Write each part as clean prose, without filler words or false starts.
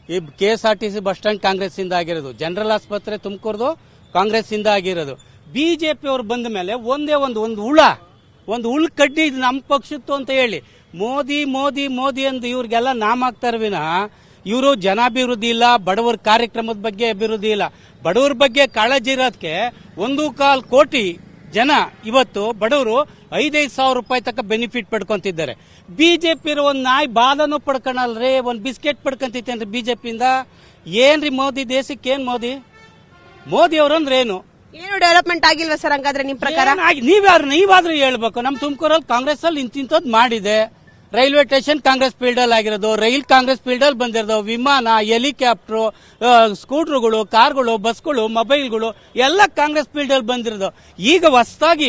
ಈ KSRTC bus stand Congress ಇಂದ ಆಗಿರೋದು, ಜನರಲ್ ಆಸ್ಪತ್ರೆ ತುಮಕೂರ್ದು ಕಾಂಗ್ರೆಸ್ ಇಂದ ಆಗಿರೋದು. ಬಿಜೆಪಿ ಅವರು ಬಂದ ಮೇಲೆ ಒಂದೇ ಒಂದು ಹುಳು ಕಡ್ಡಿ ಇದು ನಮ್ಮ ಪಕ್ಷತ್ತು ಅಂತ ಹೇಳಿ ಮೋದಿ ಮೋದಿ ಮೋದಿ ಅಂತ ಇವ್ರಿಗೆಲ್ಲ ನಾಮ ಹಾಕ್ತಾರೆ ವಿನಃ ಇವರು ಜನಾಭಿವೃದ್ಧಿ ಇಲ್ಲ, ಬಡವರ ಕಾರ್ಯಕ್ರಮದ ಬಗ್ಗೆ ಅಭಿವೃದ್ಧಿ ಇಲ್ಲ. ಬಡವರ ಬಗ್ಗೆ ಕಾಳಜಿ ಇರೋದಕ್ಕೆ 1.25 ಕೋಟಿ ಜನ ಇವತ್ತು ಬಡವರು 5,000 ರೂಪಾಯಿ ತಕ್ಕ ಬೆನಿಫಿಟ್ ಪಡ್ಕೊಂತಿದ್ದಾರೆ. ಬಿಜೆಪಿ ಇರೋ ಒಂದು ನಾಯಿ ಬಾಲನು ಪಡ್ಕೊಳಲ್ರಿ, ಒಂದು ಬಿಸ್ಕೆಟ್ ಪಡ್ಕೊಂತೈತೇನ್ರಿ ಬಿಜೆಪಿಯಿಂದ. ಏನ್ರಿ ಮೋದಿ ದೇಶಕ್ಕೆ ಏನ್ ಮೋದಿ ಅವ್ರಂದ್ರೆ ಏನು ಡೆವಲಪ್ಮೆಂಟ್ ಆಗಿಲ್ವಾ ಸರ್ ಹಂಗಾದ್ರೆ ನಿಮ್ ಪ್ರಕಾರ? ನೀವಾದ್ರೂ ಹೇಳ್ಬೇಕು. ನಮ್ ತುಮಕೂರಲ್ಲಿ ಕಾಂಗ್ರೆಸ್ ಅಲ್ಲಿ ಇಂತಿಂತದ್ ಮಾಡಿದೆ. ರೈಲ್ವೆ ಸ್ಟೇಷನ್ ಕಾಂಗ್ರೆಸ್ ಫೀಲ್ಡ್ ಅಲ್ಲಿ ಆಗಿರೋದು, ರೈಲ್ ಕಾಂಗ್ರೆಸ್ ಫೀಲ್ಡ್ ಅಲ್ಲಿ ಬಂದಿರೋದು, ವಿಮಾನ, ಹೆಲಿಕಾಪ್ಟರ್, ಸ್ಕೂಟರ್ಗಳು, ಕಾರ್ಗಳು, ಬಸ್ಗಳು, ಮೊಬೈಲ್ಗಳು ಎಲ್ಲ ಕಾಂಗ್ರೆಸ್ ಫೀಲ್ಡ್ ಅಲ್ಲಿ ಬಂದಿರೋದು. ಈಗ ಹೊಸದಾಗಿ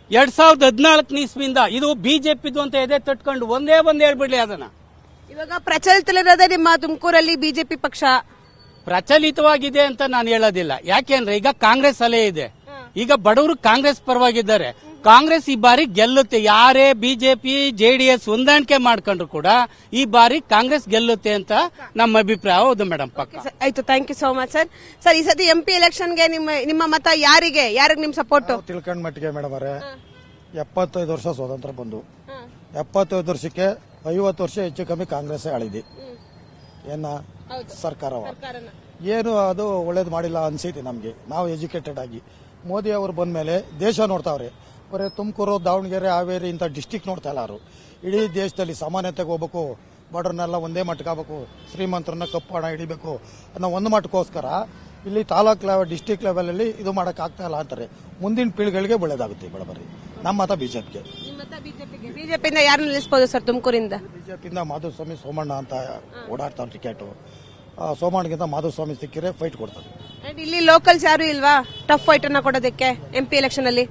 2014 ಇಸ್ವಿಯಿಂದ ಇದು ಬಿಜೆಪಿದು ಅಂತ ಎದೆ ತಟ್ಕೊಂಡು ಒಂದೇ ಹೇಳ್ಬಿಡ್ಲಿ ಅದನ್ನ. ಇವಾಗ ಪ್ರಚಲಿತಲ್ಲಿರೋದೇ ನಿಮ್ಮ ತುಮಕೂರಲ್ಲಿ ಬಿಜೆಪಿ ಪಕ್ಷ ಪ್ರಚಲಿತವಾಗಿದೆ ಅಂತ ನಾನು ಹೇಳೋದಿಲ್ಲ. ಯಾಕೆಂದ್ರೆ ಈಗ ಕಾಂಗ್ರೆಸ್ ಅಲೆ ಇದೆ. ಈಗ ಬಡವರು ಕಾಂಗ್ರೆಸ್ ಪರವಾಗಿದ್ದಾರೆ. ಕಾಂಗ್ರೆಸ್ ಈ ಬಾರಿ ಗೆಲ್ಲುತ್ತೆ. ಯಾರೇ ಬಿಜೆಪಿ JDS ಹೊಂದಾಣಿಕೆ ಮಾಡ್ಕೊಂಡ್ರು ಕೂಡ ಈ ಬಾರಿ ಕಾಂಗ್ರೆಸ್ ಗೆಲ್ಲುತ್ತೆ ಅಂತ ನಮ್ಮ ಅಭಿಪ್ರಾಯ. ಹೌದು ಮೇಡಮ್, ಪಕ್ಕ. ಆಯ್ತು, thank you so much sir. Sir, ಈ ಸತಿ MP ಎಲೆಕ್ಷನ್ಗೆ ನಿಮ್ಮ ಮತ ಯಾರಿಗೆ ನಿಮ್ ಸಪೋರ್ಟ್? ತಿಳ್ಕೊಂಡ್ ಮಟ್ಟಿಗೆ ಮೇಡಮ್ ಅವರೇ, 75 ವರ್ಷ ಸ್ವಾತಂತ್ರ್ಯ ಬಂದು 75 ವರ್ಷಕ್ಕೆ 50 ವರ್ಷ ಹೆಚ್ಚು ಕಮ್ಮಿ ಕಾಂಗ್ರೆಸ್ ಆಳಿದಿ ಏನ ಸರ್ಕಾರ ಏನು ಅದು ಒಳ್ಳೇದು ಮಾಡಿಲ್ಲ ಅನ್ಸೈತಿ ನಮ್ಗೆ. ನಾವು ಎಜುಕೇಟೆಡ್ ಆಗಿ ಮೋದಿ ಅವರು ಬಂದ ಮೇಲೆ ದೇಶ ನೋಡ್ತಾವ್ರೆ. ಬರೀ ತುಮಕೂರು, ದಾವಣಗೆರೆ, ಹಾವೇರಿ ಇಂಥ ಡಿಸ್ಟಿಕ್ ನೋಡ್ತಾ ಇಲ್ಲ ಅವರು. ಇಡೀ ದೇಶದಲ್ಲಿ ಸಮಾನತೆಗೆ ಹೋಗ್ಬೇಕು, ಬಡವ್ರನ್ನೆಲ್ಲ ಒಂದೇ ಮಟ್ಟಕ್ಕಾಗಬೇಕು, ಶ್ರೀಮಂತರನ್ನ ಕಪ್ಪು ಹಣ ಹಿಡಿಬೇಕು ಅನ್ನೋ ಒಂದು ಮಟ್ಟಕ್ಕೋಸ್ಕರ ಇಲ್ಲಿ ತಾಲೂಕ್ ಲೆವೆಲ್, ಡಿಸ್ಟಿಕ್ ಲೆವೆಲ್ ಅಲ್ಲಿ ಇದು ಮಾಡಕ್ ಆಗ್ತಾ ಇಲ್ಲ ಅಂತಾರೆ. ಮುಂದಿನ ಪೀಳಿಗೆಗಳಿಗೆ ಒಳ್ಳೇದಾಗುತ್ತೆ ಬಡಬರಿ. ನಮ್ಮ ಮತ ಬಿಜೆಪಿಗೆ. ಬಿಜೆಪಿಯಿಂದ ಯಾರು ನಿಲ್ಲಿಸಬಹುದು ಸರ್ ತುಮಕೂರಿಂದ? ಬಿಜೆಪಿಯಿಂದ ಮಾಧುಸ್ವಾಮಿ, ಸೋಮಣ್ಣ ಅಂತ ಓಡಾಡ್ತಾರೆ ಟಿಕೆಟ್. ಸೋಮಣ್ಣಗಿಂತ ಮಾಧುಸ್ವಾಮಿ ಸಿಕ್ಕಿದ್ರೆ ಫೈಟ್ ಕೊಡ್ತಾರೆ. ಇಲ್ಲಿ ಲೋಕಲ್ಸ್ ಯಾರು ಇಲ್ವಾ ಟಫ್ ಫೈಟ್ ಅನ್ನ ಕೊಡೋದಕ್ಕೆ MP ಎಲೆಕ್ಷನ್ ಅಲ್ಲಿ?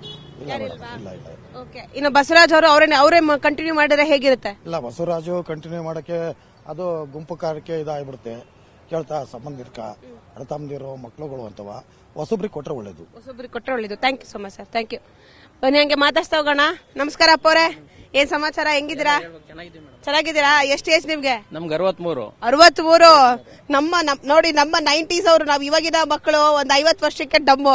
ಇನ್ನು ಬಸವರಾಜ್ ಅವರು ಅವರೇ ಕಂಟಿನ್ಯೂ ಮಾಡಿದ್ರೆ ಹೇಗಿರುತ್ತೆ? ಇಲ್ಲ, ಬಸವರಾಜು ಕಂಟಿನ್ಯೂ ಮಾಡಕ್ಕೆ ಅದು ಗುಂಪು ಕಾರ್ಯಕ್ಕೆ ಇದಾಗ್ಬಿಡುತ್ತೆ. ಕೇಳ್ತಾ ಸಂಬಂಧಿಕ ಅಣ್ಣ ತಮ್ಮದಿರು ಮಕ್ಕಳುಗಳು ಅಂತವ ಹೊಸಬ್ರಿಗೆ ಕೊಟ್ರೆ ಒಳ್ಳೇದು. Thank you so much sir, thank you. ಬನ್ನಿ ಹಂಗೆ ಮಾತಾಡ್ತಾ ಹೋಗೋಣ. ನಮಸ್ಕಾರ ಅಪ್ಪವ್ರೆ, ಏನ್ ಸಮಾಚಾರ, ಹೆಂಗಿದ್ದೀರಾ? ಚೆನ್ನಾಗಿದ್ದೀರಾ? ಎಷ್ಟು ಏಜ್ ನಿಮ್ಗೆ? ನಮ್ಗೆ 63. 63. ನೋಡಿ ನಮ್ಮ 90s ಅವರು, ನಾವ್ ಇವಾಗಿನ ಮಕ್ಕಳು ಒಂದ್ 50 ವರ್ಷಕ್ಕೆ ಡಮ್ಮು.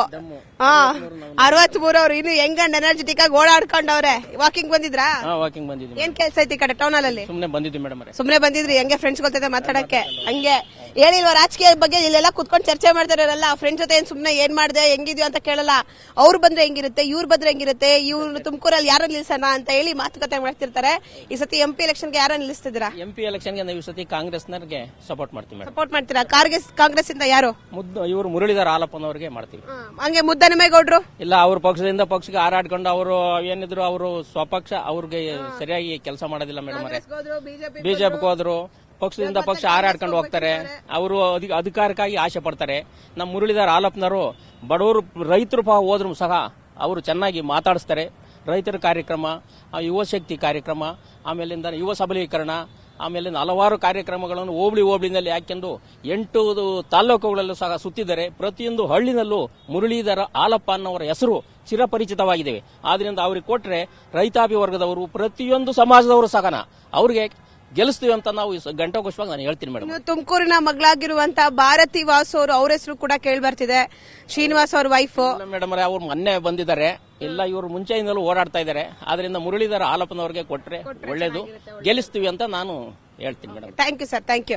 63 ಅವರು ಇನ್ನು ಯಂಗ್ ಅಂಡ್ ಎನರ್ಜೆಟಿಕ್ ಆಗಿ ಓಡಾಡ್ಕೊಂಡವ್ರೆ. ವಾಕಿಂಗ್ ಬಂದಿದ್ರಾ? ವಾಕಿಂಗ್ ಬಂದಿದ್ವಿ. ಏನ್ ಕೆಲಸ ಐತಿ ಈ ಕಡೆ ಟೌನ್ ಅಲ್ಲಿ? ಸುಮ್ನೆ ಬಂದಿದ್ವಿ ಮೇಡಮ್. ಸುಮ್ನೆ ಬಂದಿದ್ರಿ? ಹಂಗೆ ಫ್ರೆಂಡ್ಸ್ ಜೊತೆ ಮಾತಾಡಕ್ಕೆ? ಹಂಗೆ ಹೇಳಿಲ್ವಾ ರಾಜಕೀಯ ಬಗ್ಗೆ? ಇಲ್ಲೆಲ್ಲ ಕುತ್ಕೊಂಡು ಚರ್ಚೆ ಮಾಡ್ತಾರಲ್ಲ, ಫ್ರೆಂಡ್ಸ್ ಜೊತೆ ಸುಮ್ನೆ ಏನ್ ಮಾಡಿದೆ ಹೆಂಗಿದ್ಯೋ ಅಂತ ಕೇಳಲ್ಲ. ಅವ್ರು ಬಂದ್ರೆ ಹೆಂಗಿರುತ್ತೆ, ಇವ್ರು ಬಂದ್ರೆ ಹೆಂಗಿರುತ್ತೆ, ಇವ್ರು ತುಮಕೂರಲ್ಲಿ ಯಾರು ನಿಲ್ಸೋಣ ಅಂತ ಹೇಳಿ ಮಾತುಕತೆ ಮಾಡ್ತಿರ್ತಾರೆ. ಈ ಸತಿ MP ಎಲೆಕ್ಷನ್ಗೆ ಯಾರು ನಿಲ್ಲಿಸ್ತಿದ್ದೀರಾ? MP ಎಲೆಕ್ಷನ್ಗೆ ನಾವು ಈ ಸತಿ ಕಾಂಗ್ರೆಸ್ನವ್ರಿಗೆ ಸಪೋರ್ಟ್ ಮಾಡ್ತೀವಿ. ಸಪೋರ್ಟ್ ಮಾಡ್ತೀರಾ? ಕಾಂಗ್ರೆಸ್ ಇಂದ ಯಾರು? ಇವರು ಮುರಳೀಧರ್ ಹಾಲಪ್ಪನವ್ರಿಗೆ ಮಾಡ್ತೀವಿ. ಹಂಗೆ ಮುದ್ದನಮೇಗೌಡ್ರು? ಇಲ್ಲ, ಅವ್ರ ಪಕ್ಷದಿಂದ ಪಕ್ಷಕ್ಕೆ ಹಾರಾಡ್ಕೊಂಡು ಅವರು ಏನಿದ್ರು ಅವರು ಸ್ವಪಕ್ಷ ಅವ್ರಿಗೆ ಸರಿಯಾಗಿ ಕೆಲಸ ಮಾಡೋದಿಲ್ಲ ಮೇಡಮ್. ಬಿಜೆಪಿಗೆ ಹೋದ್ರು, ಪಕ್ಷದಿಂದ ಪಕ್ಷ ಹಾರಾಡ್ಕೊಂಡು ಹೋಗ್ತಾರೆ. ಅವರು ಅಧಿಕಾರಕ್ಕಾಗಿ ಆಸೆ ಪಡ್ತಾರೆ. ನಮ್ಮ ಮುರಳೀಧರ್ ಹಾಲಪ್ಪನವರು ಬಡವರು, ರೈತರು ಹೋದ್ರು ಸಹ ಅವರು ಚೆನ್ನಾಗಿ ಮಾತಾಡಿಸ್ತಾರೆ. ರೈತರ ಕಾರ್ಯಕ್ರಮ, ಯುವ ಶಕ್ತಿ ಕಾರ್ಯಕ್ರಮ, ಆಮೇಲಿಂದ ಯುವ ಸಬಲೀಕರಣ, ಆಮೇಲೆ ಹಲವಾರು ಕಾರ್ಯಕ್ರಮಗಳನ್ನು ಹೋಬಳಿನಲ್ಲಿ ಹಾಕೊಂಡು 8 ತಾಲೂಕುಗಳಲ್ಲೂ ಸಹ ಸುತ್ತಿದ್ದಾರೆ. ಪ್ರತಿಯೊಂದು ಹಳ್ಳಿನಲ್ಲೂ ಮುರಳೀಧರ ಹಾಲಪ್ಪ ಅನ್ನೋರ ಹೆಸರು ಚಿರಪರಿಚಿತವಾಗಿದೆ. ಆದ್ರಿಂದ ಅವ್ರಿಗೆ ಕೊಟ್ರೆ ರೈತಾಪಿ ವರ್ಗದವರು, ಪ್ರತಿಯೊಂದು ಸಮಾಜದವರು ಸಹ ಅವ್ರಿಗೆ ಗೆಲ್ಲಿಸ್ತೀವಿ ಅಂತ ನಾವು ಘಂಟಾಘೋಷವಾಗಿ ನಾನು ಹೇಳ್ತೀನಿ ಮೇಡಮ್. ತುಮಕೂರಿನ ಮಗಳಾಗಿರುವಂತಹ ಭಾರತಿ ವಾಸು ಅವರು, ಅವ್ರ ಹೆಸರು ಕೂಡ ಕೇಳಿ ಬರ್ತಿದೆ. ಶ್ರೀನಿವಾಸ್ ಅವ್ರ ವೈಫ್ ಮೇಡಮ್ ಅವ್ರು ಮೊನ್ನೆ ಬಂದಿದ್ದಾರೆ. ಇಲ್ಲ, ಇವರು ಮುಂಚೆಯಿಂದಲೂ ಓಡಾಡ್ತಾ ಇದ್ದಾರೆ. ಆದ್ರಿಂದ ಮುರಳೀಧರ ಹಾಲಪ್ಪನವ್ರಿಗೆ ಕೊಟ್ರೆ ಒಳ್ಳೇದು, ಗೆಲ್ಲಿಸ್ತೀವಿ ಅಂತ ನಾನು ಹೇಳ್ತೀನಿ madam. Thank you sir, thank you.